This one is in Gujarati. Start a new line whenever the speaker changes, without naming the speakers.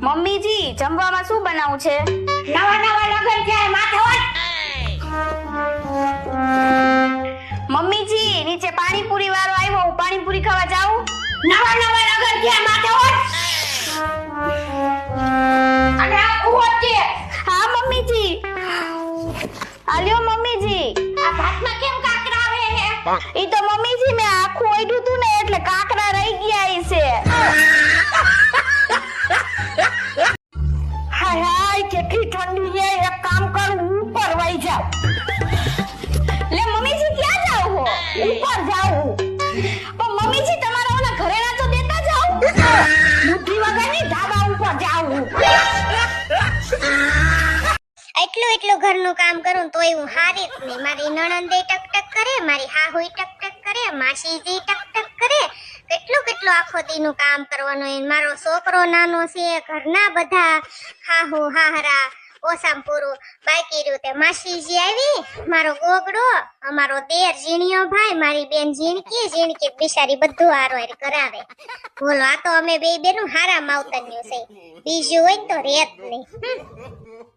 મમ્મીજી જમવામાં શું બનાવું છે?
નવા નવા લગન છે માથે હોય.
મમ્મીજી નીચે પાણીપુરી વાળો આવ્યો, હું પાણીપુરી ખાવા જાઉં?
નવા નવા લગન છે માથે હોય. અને આ કુવો છે.
હા મમ્મીજી. આલ્યો મમ્મીજી.
આ ભાતમાં કેમ કાકરા આવે હે?
ઈ તો મમ્મીજી મેં આખું ઓઢ્યું તું ને એટલે કાકરા રહી ગયા ઈ છે.
હાય હાય કેટલી ઠંડી છે. એક કામ કર ઉપર વઈ જાવ.
લે મમ્મીજી ક્યાં જાવ હો?
ઉપર જાવ.
પણ મમ્મીજી તમારા ઓલા ઘરેણા તો દેતા જાવ.
બુદ્ધિ વગરની ધાબા ઉપર જાવ.
એટલું ઘરનું કામ કરું તોય હું હારી જ નહીં. મારી નણંદે ટક ટક કરે, મારી હાહુય ટક ટક કરે, માસીજી ટક ટક કરે. કેટલું આખો દીનું કામ કરવાનું હોય. મારો છોકરો નાનો છે, ઘરના બધા હાહુ હાહરા ઓસામ પૂરું બાકી રહ્યું. તે માસીજી આવી, મારો ગોગડો, અમારો દેર ઝીણિયો ભાઈ, મારી બેન ઝીણકી બિચારી બધું હારો કરાવે. બોલો, આ તો અમે બે બેનું હારા માવતર્યું છે. બીજું હોય ને તો રેત નહીં.